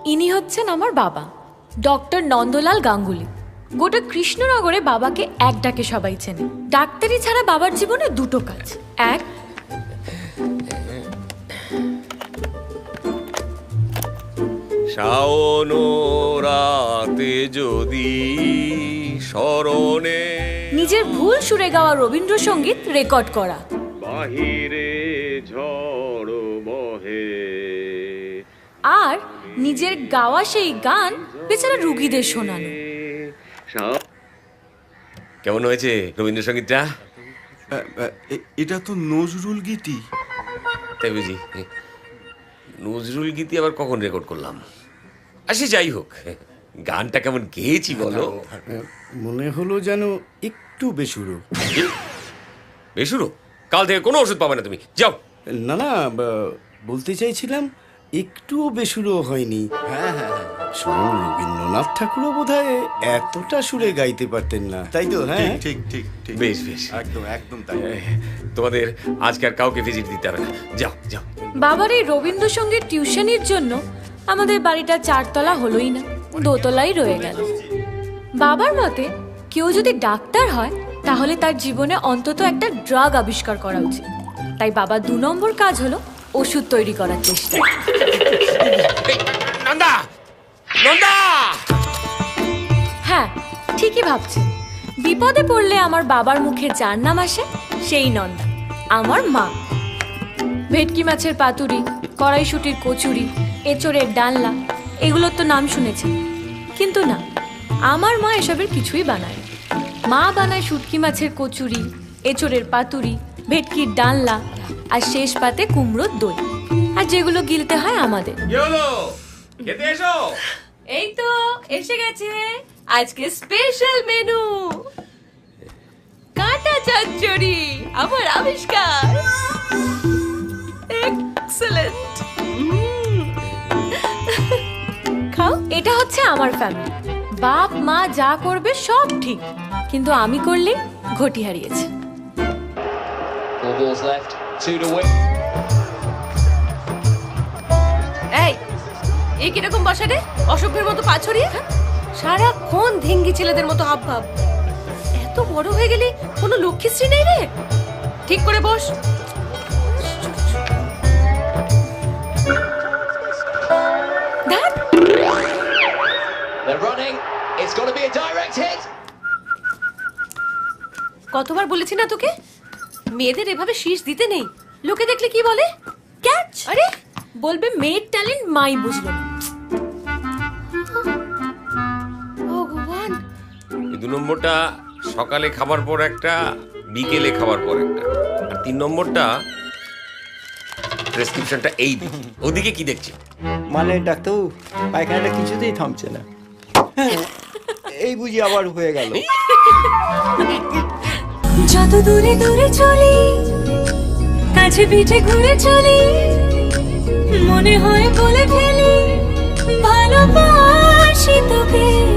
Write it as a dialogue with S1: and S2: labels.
S1: ইনি হচ্ছেন আমার বাবা, ডক্টর নন্দলাল গাঙ্গুলি। গোটা কৃষ্ণনগরে বাবাকে এক ডাকে সবাই চেনে। ডাক্তারি ছাড়া বাবার জীবনে দুটো কাজ, এক
S2: শাওন রাতে যদি স্মরণে
S1: নিজের ভুল সুরে গাওয়া রবীন্দ্রসঙ্গীত রেকর্ড করা,
S2: বাহিরে ঝড় বহে,
S1: আর নিজের গাওয়া সেই গান বেচারা রুগীদের শোনানো।
S2: কেমন হয়েছে রবীন্দ্রসঙ্গীতটা?
S3: এটা তো নজরুল গীতি।
S2: তাই বুঝি? নজরুল গীতি আবার কখন রেকর্ড করলাম? আসি যাই হোক, গানটা কেমন গেয়েছি বলো?
S4: মনে হলো যেন একটু বেসুরো।
S2: বেসুরো? কাল থেকে কোনো ওষুধ পাবে না তুমি, যাও।
S4: না না, বলতে চাইছিলাম একটুও বেসুরো হয়নি। হ্যাঁ হ্যাঁ, শুনুন, রবীন্দ্রনাথ ঠাকুরও বোধহয় এতটা সুরে গাইতে পারতেন না, তাই তো? হ্যাঁ,
S3: ঠিক ঠিক ঠিক,
S2: বেশ বেশ,
S4: একদম একদম তাই।
S2: তোমাদের আজকে আর কাউকে ভিজিট দিতে হবে না, যাও যাও।
S1: বাবার এই রবীন্দ্রসঙ্গীত টিউশনির জন্য আমাদের বাড়িটা 4 তলা হলোই না, 2 তলাই রয়ে গেল। বাবার মতে কেউ যদি ডাক্তার হয় তাহলে তার জীবনে অন্তত একটা ড্রাগ আবিষ্কার করা উচিত। তাই বাবার 2 নম্বর কাজ হলো ওষুধ তৈরি করার চেষ্টা।
S2: নন্দা, নন্দা!
S1: হ্যাঁ, ঠিকই ভাবছেন। বিপদে পড়লে আমার বাবার মুখে যার নাম আসে সেই নন্দা, আমার মা। ভেটকি মাছের পাতুরি, কড়াইশুঁটির কচুরি, এঁচোড়ের ডালনা, এগুলোর তো নাম শুনেছেন, কিন্তু না, আমার মা এসবের কিছুই বানায় না। মা বানায় শুটকি মাছের কচুরি, এঁচোড়ের পাতুরি, ভেটকির ডালনা, আর শেষ পাতে কুমড়োর দই, আর যেগুলো গিলতে হয় আমাদের।
S2: কি হলো? খেতে এসো।
S1: এই তো এসে গেছে আজকে স্পেশাল মেনু, কাঁটা চচ্চড়ি, আমার আবিষ্কার। এক্সেলেন্ট। খাও। এটা হচ্ছে আমার ফ্যামিলি। বাপ মা যা করবে সব ঠিক, কিন্তু আমি করলে ঘটি হারিয়েছে।
S5: 4 balls left, 2 to win.
S6: এই কিরকম বসা রে, অসভ্যের মতো পা ছড়িয়ে, সারাক্ষণ ধেঙ্গি ছেলেদের মতো হাব ভাব। এত বড় হয়ে গেলি কোনো লক্ষ্মীশ্রী নেই রে, ঠিক করে বস।
S5: They're running. It's got to be a direct hit.
S6: কতবার বলেছি না তোকে, মেয়েদের এভাবে শীষ দিতে নেই, লোকে দেখলে কি বলে? ক্যাচ।
S1: আরে বলবে মেয়ের ট্যালেন্ট মাই বুঝলো না।
S6: ভগবান।
S2: এই 2 নম্বরটা সকালে খাবার পর একটা, বিকেলে খাবার পর একটা, আর 3 নম্বরটা প্রেসক্রিপশনটা এই দিকে। ওদিকে কি দেখছি?
S7: মানে ডাক্তার, পায়খানাটা কিছুতেই থামছে না। এই বুঝি আবার হয়ে গেল।
S1: যত দূরে দূরে চলি, কাছে পিঠে ঘুরে চলি, মনে হয় বলে ফেলি ভালোবাসি তোকে।